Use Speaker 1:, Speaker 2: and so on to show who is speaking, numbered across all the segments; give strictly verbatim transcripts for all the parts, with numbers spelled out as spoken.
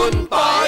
Speaker 1: คุณปอย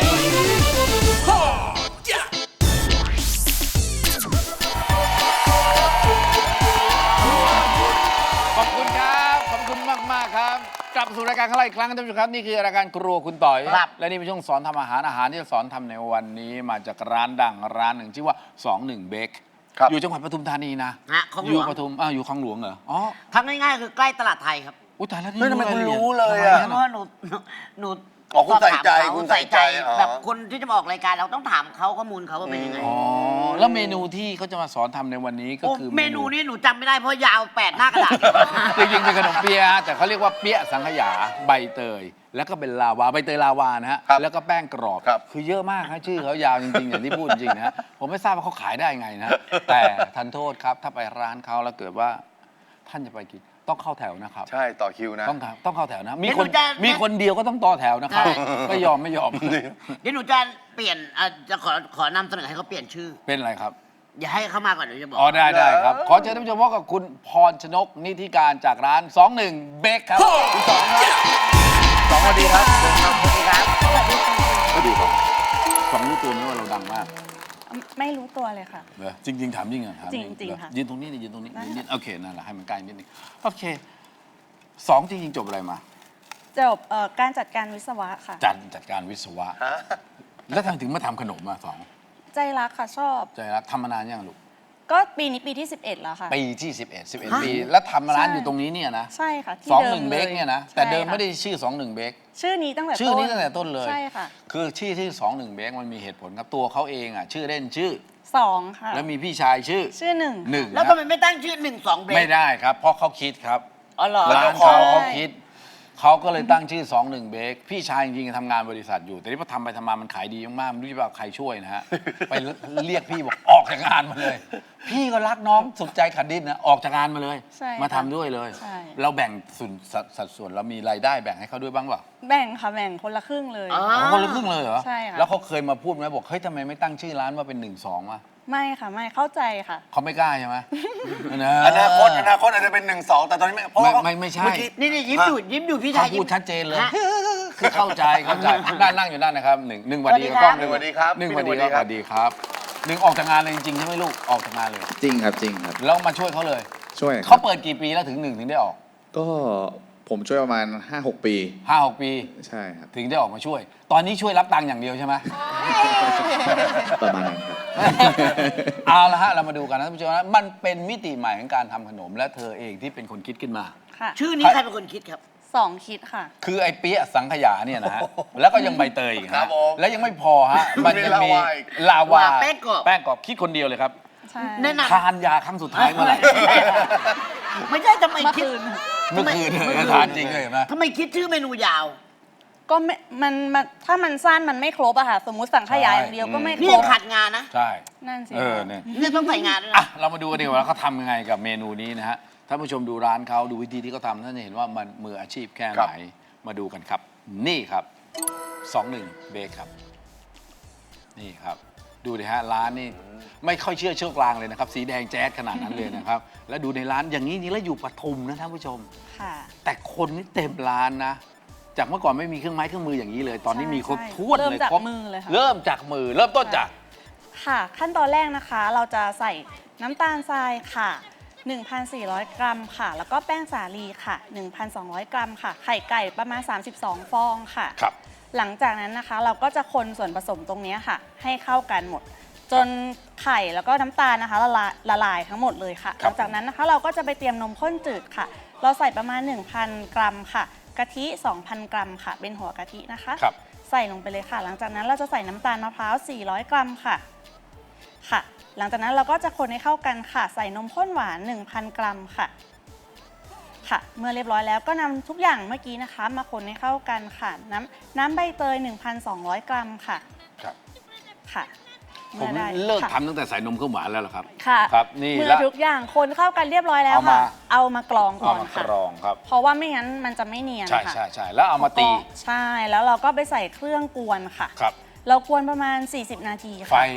Speaker 1: ขอบคุณครับขอบคุณมากมากครับกลับสู่รายการของเราอีกครั้งท่านผู้ชมครับนี่คือรายการครัวคุณต่อยและนี่เป็นช่วงสอนทำอาหารอาหารที่จะสอนทำในวันนี้มาจากร้านดังร้านหนึ่งชื่อว่าสองหนึ่งเบคอยู่จังหวัดปทุมธานีนะอยู่ปทุมอ่าอยู่คลองหลวงเหรออ๋อ
Speaker 2: ทำง่ายๆคือใกล้ตลาดไทยครับ
Speaker 1: อุ้ยตายแล้วนี่
Speaker 3: ทำไมคุณรู้เลยอ่ะ
Speaker 2: เพราะว่าหนูหนู
Speaker 3: อ๋อคุณใส่ใจคุณใส่ใจ
Speaker 2: แบบคนที่จะมาออกรายการเราต้องถามเขาข้อมูลเขาว่าเป็นยังไง
Speaker 1: อ๋อแล้วเมนูที่เขาจะมาสอนทำในวันนี้ก็คือ
Speaker 2: เมนูนี้หนูจำไม่ได้เพราะยาวแปดหน้ากระดาษ
Speaker 1: จริงๆเป็นขนมเปี๊ยะแต่เขาเรียกว่าเปี๊ยะสังขยาใบเตยแล้วก็เป็นลาวาใบเตยลาวานะฮะแล้วก็แป้งกรอบคือเยอะมากครับชื่อเขายาวจริงๆอย่างที่พูดจริงๆนะฮะผมไม่ทราบว่าเขาขายได้ไงนะแต่ทันโทษครับถ้าไปร้านเขาแล้วเกิดว่าท่านจะไปกินต้องเข้าแถวนะครับ
Speaker 3: ใช่ต่อคิวนะ
Speaker 1: ต้องต้องเข้าแถวนะมีคนมีคนเดียวก็ต้องต่อแถวนะครับไม่ยอมไม่ยอม
Speaker 2: เดี๋ยวหนูจะเปลี่ยนจะขอขอนำเสนอให้เขาเปลี่ยนชื่อ
Speaker 1: เป็นอะไรครับ
Speaker 2: อย่าให้เขามาก่อนหนูจะบอก
Speaker 1: อ๋อได้ได้ครับขอเชิญท่านผู้ชมพบกับคุณพรชนกนิธิการจากร้านสองหนึ่งเบคครับคุณสองครับสองสวัสดีครับ
Speaker 2: สวัสดีครับสวัสดีครับ
Speaker 1: สวัสดีครับสองรู้ตัวไหมว่าเราดังมาก
Speaker 4: ไม่รู้ตัวเลยค่ะ
Speaker 1: เหรอจริงๆถามจริงเหรอถาม
Speaker 4: จริงๆค่ะ
Speaker 1: ยืนตรงนี้นี่ยืนตรงนี้ยืนโอเคนั่นแหละให้มันใกล้นิดนึงโอเคสองจริงๆจบอะไรมา
Speaker 4: จบการจัดการวิศวะค่ะ
Speaker 1: จัดจัดการวิศวะแล้วทำไมถึงมาทำขนมมาสอง
Speaker 4: ใจรักค่ะชอบ
Speaker 1: ใจรักทำมานานยังลูก
Speaker 4: ก็ปีนี้ปีที่สิบเอ็ดแล้วค่ะ
Speaker 1: ปีที่สิบเอ็ด สิบเอ็ดปีแล้วทำร้านอยู่ตรงนี้เนี่ยนะ
Speaker 4: ใช่ค่ะ
Speaker 1: สองหนึ่งเบคเนี่ยนะแต่เดิมไม่ได้ชื่อสองหนึ่งเบค
Speaker 4: ชื่อนี้ตั้งแต่
Speaker 1: ชื่อนี้ตั้งแต่ต้นเลย
Speaker 4: ใช่ค่ะ
Speaker 1: คือชื่อที่สองหนึ่งเบคมันมีเหตุผลครับตัวเขาเองอ่ะชื่อเล่นชื่อ
Speaker 4: สองค่ะ
Speaker 1: แล้วมีพี่ชายชื่อ
Speaker 4: ชื่อหนึ่ง
Speaker 1: หนึ่ง
Speaker 2: แล้วทำไมไม่ตั้งชื่อหนึ่งสองเบค
Speaker 1: ไม่ได้ครับเพราะเขาคิดครับ
Speaker 2: อ๋อเหรอ
Speaker 1: ร้านเขาเขาคิดเขาก็เลยตั้งชื่อสองหนึ่งเบคพี่ชายจริงๆทำงานบริษัทอยู่แต่ที่พอทำไปทำมามันขายดีมากๆไม่รู้จะว่าใครช่วยนะฮะไปเรียกพี่บอกออกจากงานมาเลยพี่ก็รักน้องสุดใจขัดดิ้นนะออกจากงานมาเลยมาทำด้วยเลยเราแบ่งส่วนสัดส่วนเรามีรายได้แบ่งให้เขาด้วยบ้างเปล่า
Speaker 4: แบ่งค่ะแบ่งคนละครึ่งเลย
Speaker 1: คนละครึ่งเลยเหรอ
Speaker 4: ใช่ค่ะ
Speaker 1: แล้วเขาเคยมาพูดไหมบอกเฮ้ยทำไมไม่ตั้งชื่อร้านว่าเป็นหนึ่งสองวะ
Speaker 4: ไม่ค่ะไม่เข้าใจค่ะ
Speaker 1: เขาไม่กล้าใช่ไหม
Speaker 3: อนาคตอนาคตอาจจะเป็นหนึ่งสองแต่ตอนนี้ไม่
Speaker 1: ไม่ไม่ใช่
Speaker 2: นี่นี่ยิ้มอยู่ยิ้มอยู่พี่ชาย
Speaker 1: พูดชัดเจนเลยคือเข้าใจเข้าใจด้านนั่งอยู่ด้านนะครับหนึ่งหนึ่งวันดีกับกล้องหนึ่งวันดีครับหนึ่งวันดีครับสวัสดีครับหนึ่งออกจากงานเลยจริงๆใช่ไหมลูกออกจากงานเลย
Speaker 5: จริงครับจริงครับ
Speaker 1: แล้วมาช่วยเขาเลย
Speaker 5: ช่วย
Speaker 1: เขาเปิดกี่ปีแล้วถึงหนึ่งถึงได้ออก
Speaker 5: ก็ผมช่วยประมาณ ห้าหก ปี
Speaker 1: ห้าหก ปี
Speaker 5: ใช่ครับ
Speaker 1: ถึงได้ออกมาช่วยตอนนี้ช่วยรับตังค์อย่างเดียวใช่ไหม
Speaker 5: ประมาณนั้นครับ
Speaker 1: เอาละฮะเรามาดูกันนะท่านผู้ชมนะมันเป็นมิติใหม่ของการทำขนมและเธอเองที่เป็นคนคิดขึ้นมา
Speaker 2: ชื่อนี้ใครเป็นคนคิดครับ
Speaker 4: สองคิดค่ะ
Speaker 1: คือไอ้เปี๊ยะสังขยาเนี่ยนะฮะแล้วก็ยังใบเตยอีกนะแล้วยังไม่พอฮะมันยังมีลาวา
Speaker 2: แป้งกรอบ
Speaker 1: แป้งกรอบคิดคนเดียวเลยครับ
Speaker 2: แนะนำ
Speaker 1: ทานยาครั้งสุดท้ายเมื่อไหร่
Speaker 2: ไม่ใช่ทำไมคิด
Speaker 1: เมื่อคืนเลยทานจริงเลยนะ
Speaker 2: ทำไมคิดชื่อเมนูยาว
Speaker 4: ก็ไม่มันถ้ามันสั้นมันไม่ครบอะค่ะสมมุติสังขยาอย่างเดียวก็ไม่ครบ
Speaker 2: นี่ขาดงานนะ
Speaker 1: ใช่
Speaker 4: นั่นสิ
Speaker 1: เออเนี่ย
Speaker 2: นี่ต้องใส่งานด้วย
Speaker 1: นะเรามาดูกันดีกว่าเขาทำยังไงกับเมนูนี้นะฮะท่านผู้ชมดูร้านเขาดูวิธีที่เขาทำท่านจะเห็นว่ามันมืออาชีพแค่ไหนมาดูกันครับนี่ครับสองหนึ่งเบคครับนี่ครับดูดิฮะร้านนี่ไม่ค่อยเชื่อเชือกลางเลยนะครับสีแดงแจ๊ดขนาดนั้นเลยนะครับแล้วดูในร้านอย่างนี้นี่แล้วอยู่ปทุมนะท่านผู้ชมแต่คนนี่เต็มร้านนะจากเมื่อก่อนไม่มีเครื่องไม้เครื่องมืออย่างนี้เลยตอนนี้มีครบถ้วนเลยครบเริ่มจากมือเริ่มต้นจาก
Speaker 4: ค่ะขั้นตอนแรกนะคะเราจะใส่น้ำตาลทรายค่ะ หนึ่งพันสี่ร้อย กรัมค่ะแล้วก็แป้งสาลีค่ะ หนึ่งพันสองร้อย กรัมค่ะไข่ไก่ประมาณสามสิบสองฟองค่ะ
Speaker 1: ครับ
Speaker 4: หลังจากนั้นนะคะเราก็จะคนส่วนผสมตรงนี้ค่ะให้เข้ากันหมดจนไข่แล้วก็น้ำตาลนะคะละลายละลายทั้งหมดเลยค่ะหลังจากนั้นนะคะเราก็จะไปเตรียมนมข้นจืดค่ะเราใส่ประมาณ หนึ่งพัน กรัมค่ะกะทิ สองพัน กรัมค่ะเป็นหัวกะทินะคะใส่ลงไปเลยค่ะหลังจากนั้นเราจะใส่น้ำตาลมะพร้าวสี่ร้อย กรัมค่ะค่ะหลังจากนั้นเราก็จะคนให้เข้ากันค่ะใส่นมข้นหวาน หนึ่งพัน กรัมค่ะค่ะเมื่อเรียบร้อยแล้วก็นำทุกอย่างเมื่อกี้นะคะมาคนให้เข้ากันค่ะน้ำน้ำใบเตย หนึ่งพันสองร้อย กรัมค่ะ
Speaker 1: ครับ
Speaker 4: ค่ะ
Speaker 1: ผมเลิกทำตั้งแต่ใส่นมข้นหวานแล้วเหรอครับ
Speaker 4: ค่ะ
Speaker 1: ครับนี่
Speaker 4: เมื่อทุกอย่างคนเข้ากันเรียบร้อยแล้วค่ะเอามากรองก่อนค่ะ
Speaker 1: กรองครับ
Speaker 4: เพราะว่าไม่งั้นมันจะไม่เนียน
Speaker 1: ใช่ใช่ใช่แล้วเอามาตี
Speaker 4: ใช่แล้วเราก็ไปใส่เครื่องกวนค่ะ
Speaker 1: ครับ
Speaker 4: เรากวนประมาณสี่สิบนาทีค่ะ
Speaker 1: ไฟ
Speaker 4: ไ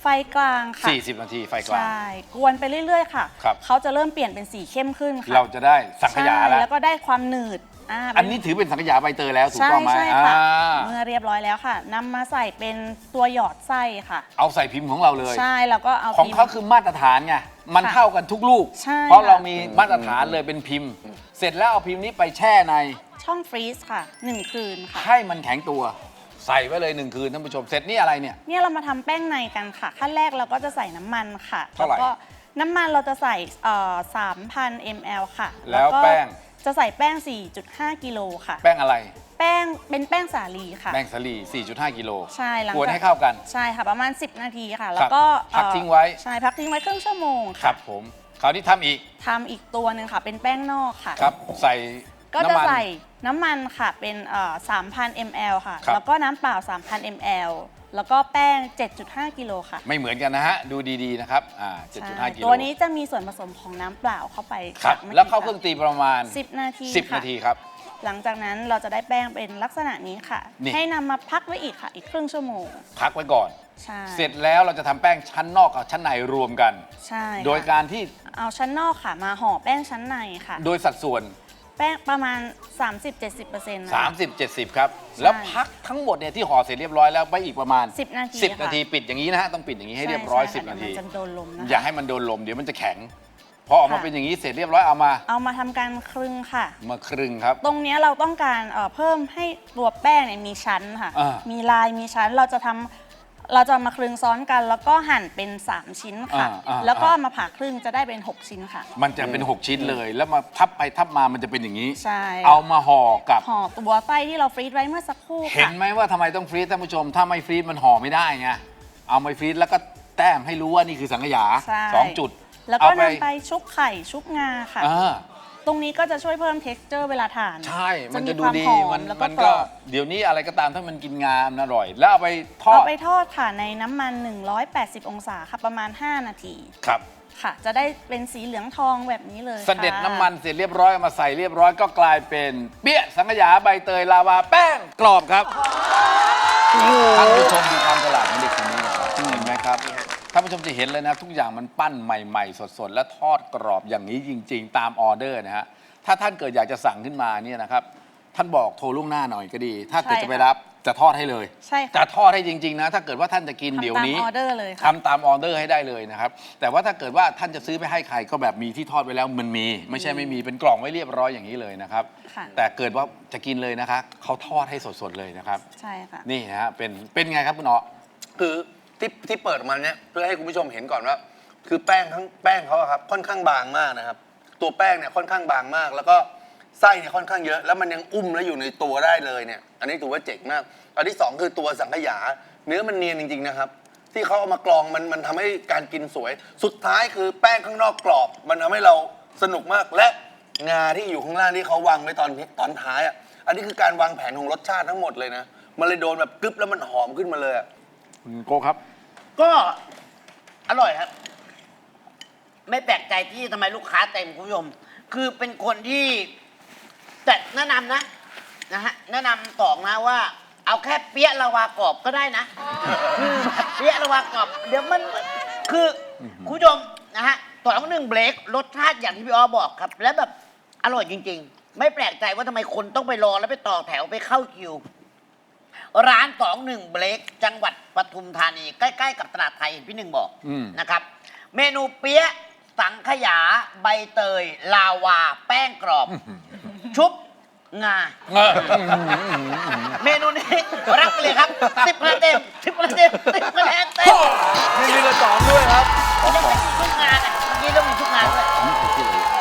Speaker 4: ไฟกลางค่ะ
Speaker 1: สี่สิบ นาทีไฟกลาง
Speaker 4: ใช่ กวนไปเรื่อยๆ ค่ะ
Speaker 1: ครับ
Speaker 4: เขาจะเริ่มเปลี่ยนเป็นสีเข้มขึ้นค่ะ
Speaker 1: เราจะได้สังขยา
Speaker 4: ใช่
Speaker 1: แล้ว
Speaker 4: แล้วก็ได้ความหนืดอ่า
Speaker 1: อันนี้ถือเป็นสังขยาใบเตยแล้วถูก
Speaker 4: ใช่
Speaker 1: ต้องไหม
Speaker 4: ใช่ค่ะ
Speaker 1: อ่า
Speaker 4: เมื่อเรียบร้อยแล้วค่ะนำมาใส่เป็นตัวหยอดไส้ค่ะ
Speaker 1: เอาใส่พิมพ์ของเราเลย
Speaker 4: ใช่แล้วก็เอา
Speaker 1: ของ
Speaker 4: พิมพ์
Speaker 1: เขาคือมาตรฐานไง มัน
Speaker 4: ค่ะ
Speaker 1: เท่ากันทุกลูก
Speaker 4: ใช่
Speaker 1: เพราะเรา
Speaker 4: ค่ะ
Speaker 1: มีมาตรฐานเลยเป็นพิมพ์ เสร็จแล้วเอาพิมพ์นี้ไปแช่ใน
Speaker 4: ช่องฟรีซค่ะหนึ่งคืนค่ะ
Speaker 1: ให้มันแข็งตัว ใส่ไว้เลยหนึ่งคืนท่านผู้ชม เสร็จนี่อะไรเนี่ย
Speaker 4: เนี่ยเรามาทำแป้งในกันค่ะ ขั้นแรกเราก็จะใส่น้ำมันค่ะ
Speaker 1: เท่าไหร่
Speaker 4: แล้วก็น้ำมันเราจะใส่สามพันมลค่ะ
Speaker 1: แล้ว
Speaker 4: ก็
Speaker 1: แป้ง
Speaker 4: จะใส่แป้ง สี่จุดห้า กิโลค่ะ
Speaker 1: แป้งอะไร
Speaker 4: แป้งเป็นแป้งสาลีค่ะ
Speaker 1: แป้งสาลี สี่จุดห้า กิโล
Speaker 4: ใช่หลัง
Speaker 1: กวน
Speaker 4: จาก
Speaker 1: ให้เข้ากัน
Speaker 4: ใช่ค่ะประมาณ สิบ นาทีค่ะ แล้วก็
Speaker 1: พัก
Speaker 4: เอ่อ
Speaker 1: ทิ้งไว้
Speaker 4: ใช่พักทิ้งไว้ครึ่งชั่วโมง
Speaker 1: ครั
Speaker 4: ค่ะ
Speaker 1: บผม คราวนี้ทำอีก
Speaker 4: ทำอีกตัวหนึ่งค่ะ เป็นแป้งนอกค่ะ
Speaker 1: ครับ ใส่
Speaker 4: ก็จะ
Speaker 1: น้ำมัน
Speaker 4: ใส่น้ำมันค่ะเป็นเอ่อสามพันมลค่ะ
Speaker 1: ครับ
Speaker 4: แล้วก็น้ำเปล่า สามพันมล แล้วก็แป้ง เจ็ดจุดห้า กิโลค่ะ
Speaker 1: ไม่เหมือนกันนะฮะ ดูดีๆนะครับ อ่า เจ็ดจุดห้า
Speaker 4: ใช่
Speaker 1: กิโล
Speaker 4: ตัวนี้จะมีส่วนผสมของน้ำเปล่าเข้าไป
Speaker 1: ครับ
Speaker 4: ค่ะ
Speaker 1: แล้วเข้าเครื่องตีประมาณ
Speaker 4: สิบ นาที
Speaker 1: สิบ
Speaker 4: ค่ะ
Speaker 1: นาทีครับ
Speaker 4: หลังจากนั้นเราจะได้แป้งเป็นลักษณะนี้ค่ะ
Speaker 1: นี่
Speaker 4: ให้นำมาพักไว้อีกค่ะ อีกครึ่งชั่วโมง
Speaker 1: พักไว้ก่อน
Speaker 4: ใช่
Speaker 1: เสร็จแล้วเราจะทำแป้งชั้นนอกกับชั้นในรวมกัน
Speaker 4: ใช่ค่ะ
Speaker 1: โดยการที่
Speaker 4: เอาชั้นนอกค่ะมาห่อแป้งชั้นในค่ะ
Speaker 1: โดยสัดส่วน
Speaker 4: แป้งประมาณ สามสิบเจ็ดสิบเปอร์เซ็นต์
Speaker 1: สามสิบ เจ็ดสิบ ครับ แล้วพักทั้งหมดเนี่ยที่ห่อเสร็จเรียบร้อยแล้วไปอีกประมาณ
Speaker 4: สิบ นาที
Speaker 1: สิบ
Speaker 4: ค่ะ
Speaker 1: นาทีปิดอย่างนี้นะฮะ ต้องปิดอย่างนี้ให้เรียบร้อย
Speaker 4: ใช่
Speaker 1: สิบ
Speaker 4: ค่ะ
Speaker 1: นาที
Speaker 4: เดี๋ยวมันจะโดนลมนะคะ
Speaker 1: อย่าให้มันโดนลมเดี๋ยวมันจะแข็ง พอออกมา
Speaker 4: ค่ะ
Speaker 1: เป็นอย่างนี้เสร็จเรียบร้อยเอามา
Speaker 4: เอามาทำการคลึงค่ะ
Speaker 1: มาครึ่งครับ
Speaker 4: ตรงเนี้ยเราต้องการเอ่อเพิ่มให้ตัวแป้งเนี่ยมีชั้นค่ะ
Speaker 1: อ่ามี
Speaker 4: มีลายมีชั้นเราจะทำเราจะมาคลึงซ้อนกัน แล้วก็หั่นเป็น สาม ชิ้นค่ะ
Speaker 1: อ่าอ่า
Speaker 4: แล้วก็มาผ่าครึ่งจะได้เป็น หก ชิ้นค่ะ
Speaker 1: มันจะเป็น หก ชิ้นเลย แล้วมาทับไปทับมามันจะเป็นอย่างนี้
Speaker 4: ใช่
Speaker 1: เอามาห่อกับ
Speaker 4: ห่อตัวไส้ที่เราฟรีซไว้เมื่อสักครู่
Speaker 1: เห็น
Speaker 4: ค่ะ
Speaker 1: ไหมว่าทำไมต้องฟรีซท่านผู้ชม ถ้าไม่ฟรีซมันห่อไม่ได้ไง เอามาฟรีซแล้วก็แต้มให้รู้ว่านี่คือสังขยา
Speaker 4: ใช่
Speaker 1: สองจุด
Speaker 4: แล้ว
Speaker 1: เอา
Speaker 4: ก็นำไปชุบไข่ชุบงาค่ะ
Speaker 1: อ่า
Speaker 4: ตรงนี้ก็จะช่วยเพิ่ม texture เวลาทาน
Speaker 1: ใช่ มันจะดูดี
Speaker 4: ความหอ
Speaker 1: มัน
Speaker 4: แล้วก็
Speaker 1: มัน
Speaker 4: กร
Speaker 1: ก็
Speaker 4: อบ
Speaker 1: เดี๋ยวนี้อะไรก็ตามถ้ามันกินงามันอร่อย แล้วเอาไปทอ
Speaker 4: เอา
Speaker 1: ด
Speaker 4: ไปทอดค่ะในน้ำมัน หนึ่งร้อยแปดสิบ องศาค่ะประมาณ ห้า นาที
Speaker 1: ครับ
Speaker 4: ค่ะ จะได้เป็นสีเหลืองทองแบบนี้เลย
Speaker 1: เสด็จ
Speaker 4: ค่ะ
Speaker 1: น้ำมันเสร็จเรียบร้อยเอามาใส่เรียบร้อยก็กลายเป็นเปี้ยสังขยาใบเตยลาวาแป้งกรอบครับท่านผู้ชมดูความฉลาดของเด็กคนนี้นะครับเห็นไหมครับท่านผู้ชมจะเห็นเลยนะทุกอย่างมันปั้นใหม่ๆ สดๆ และทอดกรอบอย่างนี้จริง ๆ ตามออเดอร์นะฮะถ้าท่านเกิดอยากจะสั่งขึ้นมาเนี่ยนะครับท่านบอกโทรล่วงหน้าหน่อยก็ดี ถ้าเกิดจะไปรับจะทอดให้เลย
Speaker 4: ใช่ค่ะ
Speaker 1: จะทอดให้จริง ๆ นะ ถ้าเกิดว่าท่านจะกินเดี๋ยวนี้
Speaker 4: ทำตามออเดอร์เลยค่ะ
Speaker 1: ทำตามออเดอร์ให้ได้เลยนะครับ แต่ว่าถ้าเกิดว่าท่านจะซื้อไปให้ใครก็แบบมีที่ทอดไว้แล้วมันมี ไม่ใช่ไม่มีเป็นกล่องไว้เรียบร้อยอย่างนี้เลยนะครับ
Speaker 4: ค่ะ
Speaker 1: แต่เกิดว่าจะกินเลยนะคะเขาทอดให้สดๆเลยนะครับ
Speaker 4: ใช่ค่ะ
Speaker 1: นี่นะฮะเป็นเป็นไงครับคุณอ๋อ
Speaker 3: คือที่ที่เปิดออกมาเนี้ยเพื่อให้คุณผู้ชมเห็นก่อนว่า คือแป้งทั้งแป้งเขาอะครับค่อนข้างบางมากนะครับ ตัวแป้งเนี่ยค่อนข้างบางมาก แล้วก็ไส้เนี่ยค่อนข้างเยอะ แล้วมันยังอุ้มแล้วอยู่ในตัวได้เลยเนี่ย อันนี้ถือว่าเจ๋งมาก อันที่สองคือตัวสังขยา เนื้อมันเนียนจริงๆนะครับ ที่เขาเอามากรองมันมันทำให้การกินสวย สุดท้ายคือแป้งข้างนอกกรอบ มันทำให้เราสนุกมากและงาที่อยู่ข้างล่างที่เขาวางไว้ตอนตอนท้ายอ่ะอันนี้คือการวางแผนของรสชาติทั้งหมดเลยนะมันเลยโดนแบบกรึบแล้วมันหอมขึ้นมาเลยอะ
Speaker 1: คุณโก้ครับ
Speaker 2: ก็อร่อยครับ ไม่แปลกใจที่ทำไมลูกค้าเต็มคุณผู้ชม คือเป็นคนที่แต่แนะนำนะนะฮะแนะนำตองนะว่า เอาแค่เปี๊ยะลาวากรอบก็ได้นะคือแบบเปี๊ยะลาวากรอบ เดี๋ยวมันคือคุณผู้ชมนะฮะต่อหนึ่งเบรกรสชาติอย่างที่พี่อ้อบอกครับ และแบบอร่อยจริง ๆ ไม่แปลกใจว่าทำไมคนต้องไปรอแล้วไปต่อแถวไปเข้าคิว ร้านสองหนึ่งเบรกจังหวัดปทุมธานี ใกล้ๆกับตลาดไทยเห็นพี่หนึ่งบอก
Speaker 1: อืม
Speaker 2: นะครับ เมนูเปี๊ยะสังขยาใบเตย ลาวา แป้งกรอบ ชุบงา
Speaker 1: เออ
Speaker 2: เมนูนี้รับไปเลยครับสิบคะแนนเต็มสิบคะแนนเต็มสิบคะแนนเต็ม
Speaker 1: มีมีกระสองด้วยครับ
Speaker 2: เรื่องมีชุบงาอ่ะเมื่อกี้เรื่องมีชุบงาด้วย
Speaker 1: อันนี้คือที่เลย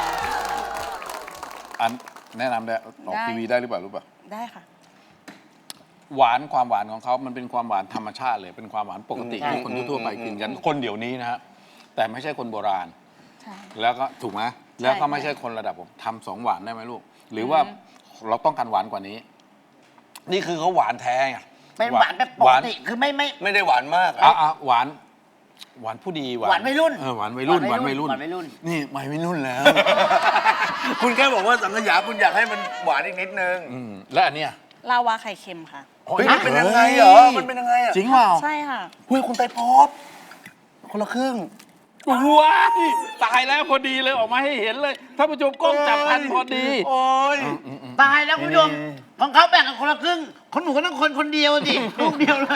Speaker 1: อันแนะนำได้ออก
Speaker 4: ได้
Speaker 1: ทีวีได้หรือเปล่ารู้ป่ะ
Speaker 4: ได้ค่ะ
Speaker 1: หวานความหวานของเขามันเป็นความหวานธรรมชาติเลย เป็นความหวานปกติ
Speaker 2: ใช่
Speaker 1: ที่คนทั่วๆไปกินกัน คนเดี๋ยวนี้นะฮะ แต่ไม่ใช่คนโบราณ
Speaker 4: ใช่
Speaker 1: แล้วก็ถูกไหมแล้วก็ไม่ใช่คนระดับผมทำสองหวานได้ไหมลูก หรือว่าเราต้องการหวานกว่านี้ นี่คือเขาหวานแท้ไง
Speaker 2: เป็นหวานแบบป
Speaker 1: ห
Speaker 2: ก
Speaker 1: วาน
Speaker 2: ติคือไม่ไม่
Speaker 3: ไม่ได้หวานมาก
Speaker 1: อ่ะอ่ะหวาน หวานผู้ดี
Speaker 2: หวานวัยรุ่น
Speaker 1: เออหวานวัยรุ่นหวานวัยรุ่น
Speaker 2: หวานวัยรุ่น
Speaker 1: นี่วัยรุ่นแล้ว
Speaker 3: คุณแค่บอกว่าสังขยาคุณอยากให้มันหวานอีกนิดนึง
Speaker 1: อืมแล้วอันเนี้ย
Speaker 4: ลาวาไข่เค็มค่ะ
Speaker 3: เฮ้ยมันเป็นยังไงเหรอมันเป็นยังไงอะ
Speaker 1: จริงเปล่า
Speaker 4: ใช่ค่ะ
Speaker 3: เฮ้ยคุณไตรภพคนละครึ่ง
Speaker 1: ว้ายตายแล้วพอดีเลยออกมาให้เห็นเลยท่านผู้ชมกล้องจับทันพอดี
Speaker 3: โอ้ย
Speaker 2: ตายแล้วคุณผู้ชมของเขาแบ่งกันคนละครึ่งของหนูก็ต้องคนคนเดียวสิลูกเดียวเลย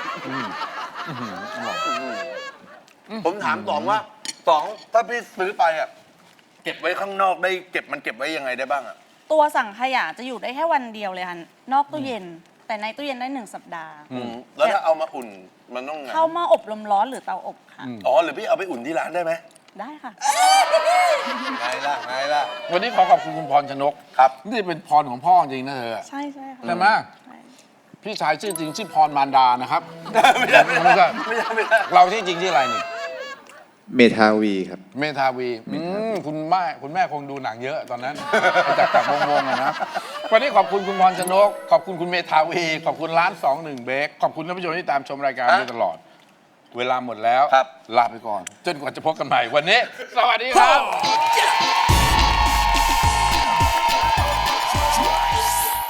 Speaker 3: ผมถามสองว่าสองถ้าพี่ซื้อไปอ่ะเก็บไว้ข้างนอกได้เก็บมันเก็บไว้ยังไงได้บ้างอ่ะ
Speaker 4: ตัวสั่งขยะจะอยู่ได้แค่วันเดียวเลยค่ะนอกตู้เย็น แต่ในตู้เย็นได้หนึ่งสัปดาห์
Speaker 3: อืมแล้วถ้าเอามาอุ่นมันต้องไง
Speaker 4: เข้าหม้ออบลมร้อนหรือเตาอบค่ะ
Speaker 3: อ๋อหรือพี่เอาไปอุ่นที่ร้านได้ไหม
Speaker 4: ได้ค่ะ
Speaker 3: ไงล่ะไงล่ะ
Speaker 1: วันนี้ขอขอบคุณคุณพรชนก
Speaker 3: ครับ
Speaker 1: นี่เป็นพรของพ่อจริงนะเธอ
Speaker 4: ใช่ใช่ค่ะ
Speaker 1: ใช่ไหม
Speaker 4: ใช่
Speaker 1: พี่ชายชื่อจริงชื่อพรมารดานะครับ
Speaker 3: ไม่ได้ไม่ได้
Speaker 1: ไม่ใช่
Speaker 3: ไม่ได้ไม่ได้
Speaker 1: เราที่จริงที่ออะไรนี่
Speaker 5: เมทาวีครับ
Speaker 1: เมทาวีอืมคุณแม่คุณแม่คงดูหนังเยอะตอนนั้น จากจากวงๆอะนะวันนี้ขอบคุณคุณพรชนก ขอบคุณคุณเมทาวี ขอบคุณร้านสองหนึ่งเบคขอบคุณท่านผู้ชมที่ตามชมรายการมาตลอด เวลาหมดแล้ว
Speaker 3: ครับ
Speaker 1: ลาไปก่อน จนกว่าจะพบกันใหม่วันนี้ สวัสดีครับ